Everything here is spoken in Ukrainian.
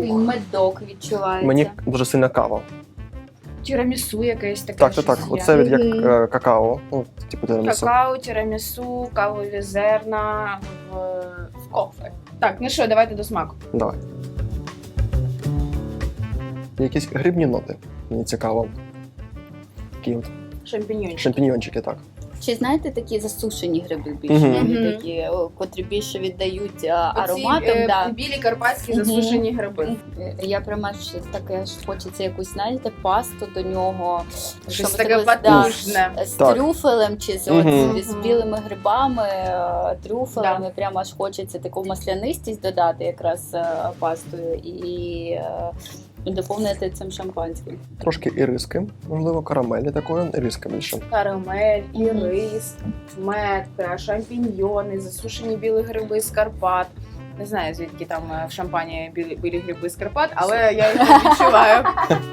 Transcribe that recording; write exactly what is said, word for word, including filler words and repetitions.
Такий медок відчувається. Мені дуже сильна кава. Тірамісу якесь таке. Так, так, так. щось є. Оце від як Мгм. е, какао. Ну, типу тирамісу. Какао, тірамісу, кавові зерна в, в кофе. Так, ну що, давайте до смаку. Давай. Якісь грибні ноти. Мені цікаво. Такі от Шампіньйончики. шампіньйончики, так. Чи знаєте такі засушені гриби більше? Мгм. Вони Мгм. такі, о, котрі більше віддають а, Оці, ароматом. е, Да. білі карпатські Мгм. засушені гриби. Е, Я прямо ж таке ж хочеться якусь, знаєте, пасту до нього. Щось щоб таке таке, да, потужне. з Так. трюфелем чи з, Мгм. от, з білими грибами, е, трюфелами. Да. Прямо аж хочеться таку маслянистість додати якраз е, пастою і е, доповнити цим шампанським. Трошки іриски, можливо, карамелі такої, іриска більше. Карамель, Мгм. ірис, метка, шампіньйони, засушені білі гриби з Карпат. Не знаю, звідки там е, в шампані білі, білі гриби з Карпат, але я їх відчуваю.